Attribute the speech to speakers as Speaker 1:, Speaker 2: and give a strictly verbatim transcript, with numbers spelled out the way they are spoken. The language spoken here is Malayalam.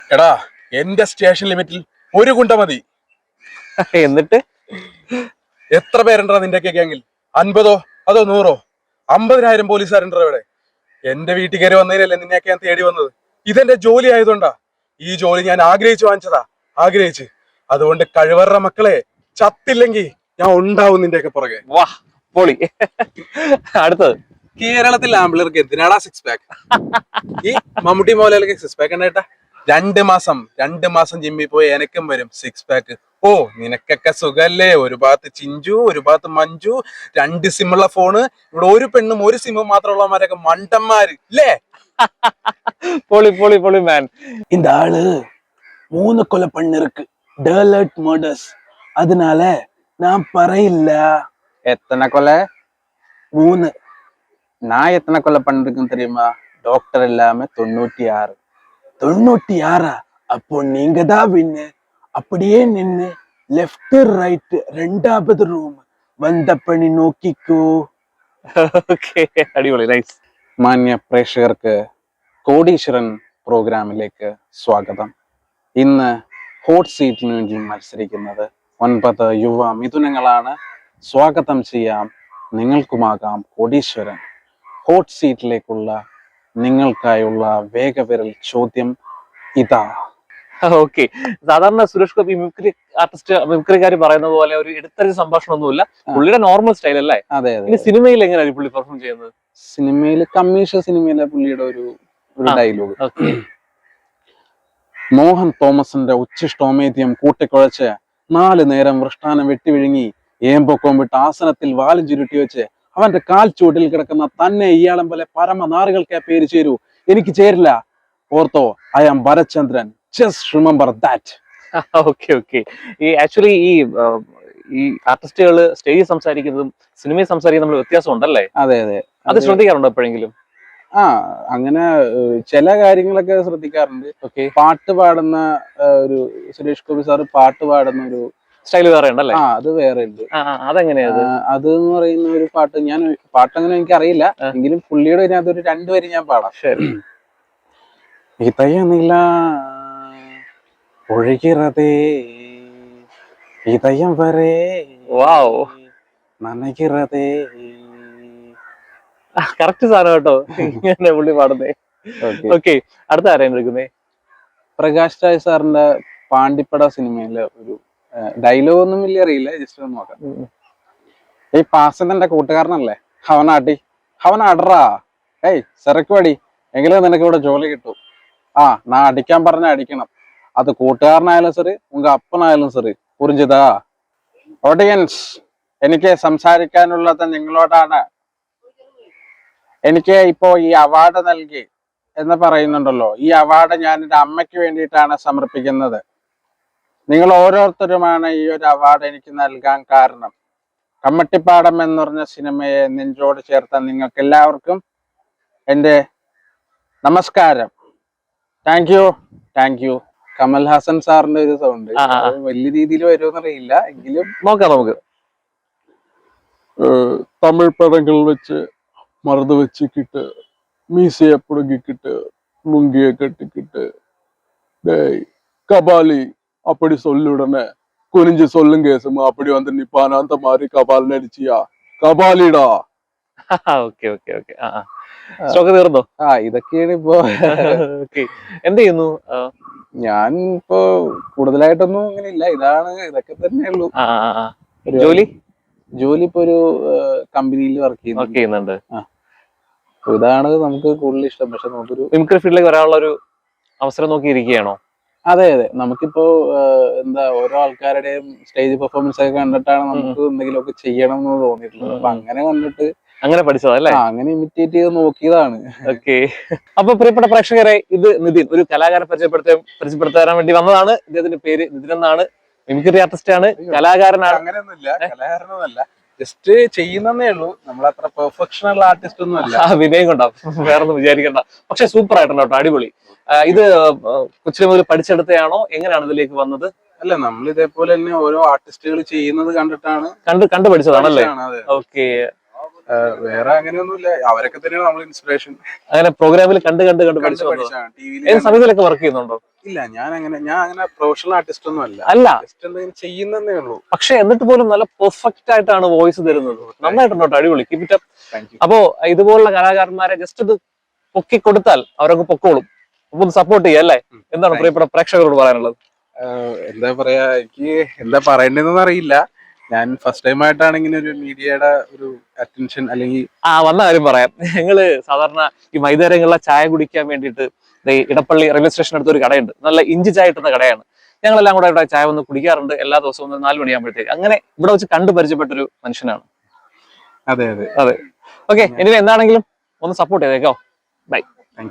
Speaker 1: എടാ എന്റെ സ്റ്റേഷൻ ലിമിറ്റിൽ ഒരു കുണ്ട മതി.
Speaker 2: എന്നിട്ട്
Speaker 1: എത്ര പേരുണ്ടാ നിന്റെ ഗ്യാങ്ങിൽ? അൻപതോ അതോ നൂറോ? അമ്പതിനായിരം പോലീസുകാരുണ്ടോ ഇവിടെ? എന്റെ വീട്ടിൽ കയറി വന്നതിനല്ലേ നിന്നെയൊക്കെ ഞാൻ തേടി വന്നത്. ഇതെന്റെ ജോലി ആയതുകൊണ്ടാ. ഈ ജോലി ഞാൻ ആഗ്രഹിച്ചു വാങ്ങിച്ചതാ, ആഗ്രഹിച്ച്. അതുകൊണ്ട് കഴിവറ മക്കളെ, ചത്തില്ലെങ്കിൽ ഞാൻ ഉണ്ടാവും നിന്റെയൊക്കെ പുറകെ.
Speaker 2: വാ പൊളി. അടുത്തത്,
Speaker 1: കേരളത്തിൽ ആമ്പിളർക്ക് എന്തിനാടാ സിക്സ് പാക്ക്? ഈ മമ്മൂട്ടി മോഹൻലാലൊക്കെ സിക്സ് പാക്ക് ഉണ്ടായിട്ടാ. രണ്ട് മാസം രണ്ട് മാസം ജിമ്മിൽ പോയി എനക്കും വരും സിക്സ് പാക്ക്. ഓ നിനക്കൊക്കെ സുഖല്ലേ? ഒരു ഭാഗത്ത് ചിഞ്ചു, ഒരു ഭാഗത്ത് മഞ്ജു, രണ്ട് സിമ്മുള്ള ഫോണ്. ഇവിടെ ഒരു പെണ്ണും ഒരു സിമ്മും മാത്രമുള്ളവന്മാരൊക്കെ മണ്ടന്മാര് ഇല്ലേ?
Speaker 2: പൊളി പൊളി പൊളി മാൻ.
Speaker 3: இந்த ஆளு மூணு கொலை பண்ணிருக்கு, டேலர்ட் மர்டர்ஸ். அதனால நான் பறையில்ல.
Speaker 2: எத்தனை கொலை?
Speaker 3: மூணு.
Speaker 2: நான் எத்தனை கொலை பண்ணிருக்குன்னு தெரியுமா? டாக்டர் இல்லாம தொண்ணூத்தி ஆறு.
Speaker 3: தொண்ணூத்தி ஆறா? அப்போ நீங்க தான் வின்னு. அப்படியே நின்னு லெஃப்ட் ரைட் ரெண்டாவது ரூம் വന്ന പണി നോക്കിക്കോ.
Speaker 2: ഓക്കെ, അടിപൊളി, നൈസ്. മാന്യ പ്രേക്ഷകർക്ക് കോടീശ്വരൻ പ്രോഗ്രാമിലേക്ക് സ്വാഗതം. ഇന്ന് ഹോട്ട് സീറ്റിന് വേണ്ടി മത്സരിക്കുന്നത് ഒൻപത് യുവ മിഥുനങ്ങളാണ്. സ്വാഗതം ചെയ്യാം, നിങ്ങൾക്കുമാകാം കോടീശ്വരൻ. ഹോട്ട് സീറ്റിലേക്കുള്ള നിങ്ങൾക്കായുള്ള വേഗവിരൽ ചോദ്യം ഇതാ. ഓക്കെ, സാധാരണ സുരേഷ് ഗോപി മിമിക്രി ആർട്ടിസ്റ്റ് മിമിക്രിക്കാർ പറയുന്ന പോലെ ഒരു എടുത്തരി സംഭാഷണമൊന്നുമില്ല, പുള്ളിയുടെ നോർമൽ സ്റ്റൈൽ അല്ലേ? അതെ അതെ. സിനിമയിൽ എങ്ങനെയാണ് പുള്ളി പെർഫോം ചെയ്യുന്നത്? സിനിമയിൽ കമ്മീഷൻ സിനിമയിലെ പുള്ളിയുടെ ഒരു ഒരു ഡയലോഗ്. മോഹൻ തോമസിന്റെ ഉച്ഛിഷ്ടോമേദ്യം കൂട്ടിക്കുഴച്ച് നാല് നേരം വൃഷ്ടാനം വെട്ടി വിഴുങ്ങി ഏമ്പൊക്കോം വിട്ട് ആസനത്തിൽ വാലും ചുരുട്ടി വെച്ച് അവന്റെ കാൽ ചൂട്ടിൽ കിടക്കുന്ന തന്നെ ഇയാളം പോലെ പരമനാറുകൾക്ക് പേര് ചേരൂ. എനിക്ക് ചേരില്ല. ഓർത്തോ, I am Bharachandran. Just remember that. Okay okay. ഈ ആക്ച്വലി ഈ ഈ ആർട്ടിസ്റ്റുകൾ സ്റ്റേജിൽ സംസാരിക്കുന്നതും സിനിമയിൽ സംസാരിക്കുന്നതും തമ്മിൽ വ്യത്യാസം ഉണ്ടല്ലേ? അതെ അതെ. അത് ശ്രദ്ധിക്കാറുണ്ടോ എപ്പോഴെങ്കിലും? ആ, അങ്ങനെ ചില കാര്യങ്ങളൊക്കെ ശ്രദ്ധിക്കാറുണ്ട്. ഓക്കെ. പാട്ട് പാടുന്ന ഒരു സുരേഷ് ഗോപി സാറ് പാട്ട് പാടുന്ന ഒരു സ്റ്റൈൽ വേറെ ഉണ്ടല്ലേ? ആ, അത് വേറെ ഉണ്ട്. അതെങ്ങനെയാ? അത് എന്ന് പറയുന്ന ഒരു പാട്ട്, ഞാൻ പാട്ടങ്ങനെ എനിക്ക് അറിയില്ല, എങ്കിലും പുള്ളിയുടെ ഇതിനകത്ത് ഒരു രണ്ടുപേരും ഞാൻ പാടാം. ശരി. ഇതയനില ഒഴുകിറതേ ഇതയം വരെ നനകിറതേ. കറക്റ്റ് സാധനം കേട്ടോ, ഇങ്ങനെ പുള്ളി പാടുന്നേ. ഓക്കെ, അടുത്ത ആരെയും എടുക്കുന്നേ? പ്രകാശ് രാജ് സാറിന്റെ പാണ്ടിപ്പട സിനിമയിലെ ഒരു ഡയലോഗ് ഒന്നും വലിയ അറിയില്ല, ജസ്റ്റ് ഒന്ന് നോക്കാം. ഈ പാസന്റെ കൂട്ടുകാരനല്ലേ അവനാട്ടി, അവനാടറാ. ഏയ് സെറക്ക് പടി, എങ്കിലും നിനക്ക് ഇവിടെ ജോലി കിട്ടും. ആ, നാ അടിക്കാൻ പറഞ്ഞ അടിക്കണം. അത് കൂട്ടുകാരനായാലും ശരി, ഉങ്ക അപ്പനായാലും ശരി. പുരിഞ്ചതാ? ഓഡിയൻസ്, എനിക്ക് സംസാരിക്കാനുള്ളത് നിങ്ങളോടാണ്. എനിക്ക് ഇപ്പോ ഈ അവാർഡ് നൽകി എന്ന് പറയുന്നുണ്ടല്ലോ, ഈ അവാർഡ് ഞാൻ എൻ്റെ അമ്മയ്ക്ക് വേണ്ടിയിട്ടാണ് സമർപ്പിക്കുന്നത്. നിങ്ങൾ ഓരോരുത്തരുമാണ് ഈ ഒരു അവാർഡ് എനിക്ക് നൽകാൻ കാരണം. കമ്മട്ടിപ്പാടം എന്ന് പറഞ്ഞ സിനിമയെ നെഞ്ചോട് ചേർത്ത നിങ്ങൾക്ക് എല്ലാവർക്കും എൻ്റെ നമസ്കാരം. Thank you thank you. Kamal Haasan സാറിന്റെ ഒരു സൗണ്ട് വലിയ രീതിയിൽ വരുമെന്നറിയില്ല, എങ്കിലും നോക്കാം നമുക്ക്. തമിഴ് പടങ്ങൾ വെച്ച് മറുത് വെച്ചിട്ട് മീസയെ പുടുങ്ങിക്കിട്ട് ലുങ്കിയെ കെട്ടിക്കിട്ട് കപാലി அப்படி சொல்லுடனே குனிஞ்சு சொல்லுங்க சும்மா அப்படி வந்து நிப்பான அந்த மாதிரி கபால் நடிச்சியா കപാലിടാ. Okay okay okay. സ്റ്റോക്ക് തീർന്നോ? ആ, ഇതൊക്കെയാണ് ഇപ്പോ. എന്ത് ചെയ്യുന്നു? ഞാൻ ഇപ്പോ കൂടുതലായിട്ടൊന്നും അങ്ങനെ ഇല്ല, ഇതാണ് ഇതൊക്കെ തന്നെയുള്ളൂ. ജോലി ജോലി ഇപ്പൊ ഒരു കമ്പനിയിൽ വർക്ക് ചെയ്യുന്നുണ്ട്. ഇതാണ് നമുക്ക് കൂടുതൽ ഇഷ്ടം. പക്ഷെ നമുക്കൊരു മിമിക്രി ഫീൽഡിലേക്ക് വരാനുള്ള ഒരു അവസരം നോക്കി ഇരിക്കുകയാണോ? അതെ അതെ. നമുക്കിപ്പോ എന്താ, ഓരോ ആൾക്കാരുടെയും സ്റ്റേജ് പെർഫോമൻസ് ഒക്കെ കണ്ടിട്ടാണ് നമുക്ക് എന്തെങ്കിലുമൊക്കെ ചെയ്യണം എന്ന് തോന്നിയിട്ടുള്ളത്. അപ്പൊ അങ്ങനെ കണ്ടിട്ട് അങ്ങനെ പഠിച്ചതല്ലേ, അങ്ങനെ ഇമിറ്റേറ്റ് ചെയ്ത് നോക്കിയതാണ്. ഓക്കെ. അപ്പൊ പ്രിയപ്പെട്ട പ്രേക്ഷകരെ, ഇത് നിതിൻ, ഒരു കലാകാരനെ പരിചയപ്പെടുത്ത പരിചയപ്പെടുത്താൻ വേണ്ടി വന്നതാണ്. ഇദ്ദേഹത്തിന്റെ പേര് നിതിൻ എന്നാണ്. മിമിക്രി ആർട്ടിസ്റ്റ് ആണ്, കലാകാരനാണ്. അങ്ങനെയൊന്നുമില്ല, കലാകാരനൊന്നുമല്ല, ജസ്റ്റ് ചെയ്യുന്നേ ഉള്ളൂ. നമ്മളത്ര പെർഫെക്ഷണൽ ആർട്ടിസ്റ്റ് ഒന്നും അല്ല. വിനയം കൊണ്ടാവും, വേറൊന്നും വിചാരിക്കണ്ട. പക്ഷെ സൂപ്പർ ആയിട്ടുണ്ട് കേട്ടോ, അടിപൊളി. ഇത് കൊച്ചിലെ മുതൽ പഠിച്ചെടുത്തയാണോ, എങ്ങനെയാണ് ഇതിലേക്ക് വന്നത്? അല്ല, നമ്മൾ ഇതേപോലെ തന്നെ ഓരോ ആർട്ടിസ്റ്റുകൾ ചെയ്യുന്നത് കണ്ടിട്ടാണ് കണ്ട് കണ്ടു പഠിച്ചതാണല്ലേ? ഓക്കെ. വേറെ അങ്ങനെയൊന്നുമില്ല, അവരൊക്കെ തന്നെയാണ് നമ്മൾ ഇൻസ്പിറേഷൻ. അങ്ങനെ പ്രോഗ്രാമിൽ കണ്ട് കണ്ട് കണ്ട് പഠിച്ചു. ഏത് സമയത്തിലൊക്കെ വർക്ക് ചെയ്യുന്നുണ്ടോ?
Speaker 1: ഇല്ല, ഞാൻ അങ്ങനെ ഞാൻ അങ്ങനെ പ്രൊഫഷണൽ ആർട്ടിസ്റ്റ് ഒന്നും അല്ല.
Speaker 2: അല്ല,
Speaker 1: ജസ്റ്റ് എന്തെങ്കിലും ചെയ്യുന്നതേ ഉള്ളൂ.
Speaker 2: പക്ഷെ എന്നിട്ട് പോലും നല്ല പെർഫെക്റ്റ് ആയിട്ടാണ് വോയിസ് തരുന്നത്. നന്നായിട്ടുണ്ടോ, അടിപൊളി. Keep it up.
Speaker 1: Thank you.
Speaker 2: അപ്പോ ഇതുപോലുള്ള കലാകാരന്മാരെ ജസ്റ്റ് ഇത് പൊക്കി കൊടുത്താൽ അവരൊക്കെ പൊക്കോളും. അപ്പൊ ഒന്ന് സപ്പോർട്ട് ചെയ്യാം അല്ലേ? എന്താണ് പ്രിയപ്പെട്ട പ്രേക്ഷകരോട് പറയാനുള്ളത്?
Speaker 1: എന്താ പറയാ, എനിക്ക് എന്താ പറയേണ്ടതെന്ന് അറിയില്ല. ഞാൻ ഫസ്റ്റ് ടൈം ആയിട്ടാണ് ഇങ്ങനെ ഒരു മീഡിയയുടെ ഒരു അറ്റൻഷൻ അല്ലെങ്കിൽ
Speaker 2: ആ വന്ന കാര്യം പറയാം. ഞങ്ങള് സാധാരണ ഈ വൈകുന്നേരങ്ങളിലെ ചായ കുടിക്കാൻ വേണ്ടിയിട്ട് ഇടപ്പള്ളി റെയിൽവേ സ്റ്റേഷൻ അടുത്ത് ഒരു കടയുണ്ട്. നല്ല ഇഞ്ചി ചായ കിട്ടുന്ന കടയാണ്. ഞങ്ങളെല്ലാം കൂടെ ഇവിടെ ചായ വന്ന് കുടിക്കാറുണ്ട് എല്ലാ ദിവസവും നാല് മണിയാകുമ്പോഴത്തേക്ക്. അങ്ങനെ ഇവിടെ വെച്ച് കണ്ടു പരിചയപ്പെട്ടൊരു മനുഷ്യനാണ്.
Speaker 1: അതെ അതെ
Speaker 2: അതെ. ഓക്കെ, ഇനി എന്താണെങ്കിലും ഒന്ന് സപ്പോർട്ട് ചെയ്തേക്കോ. ബൈ.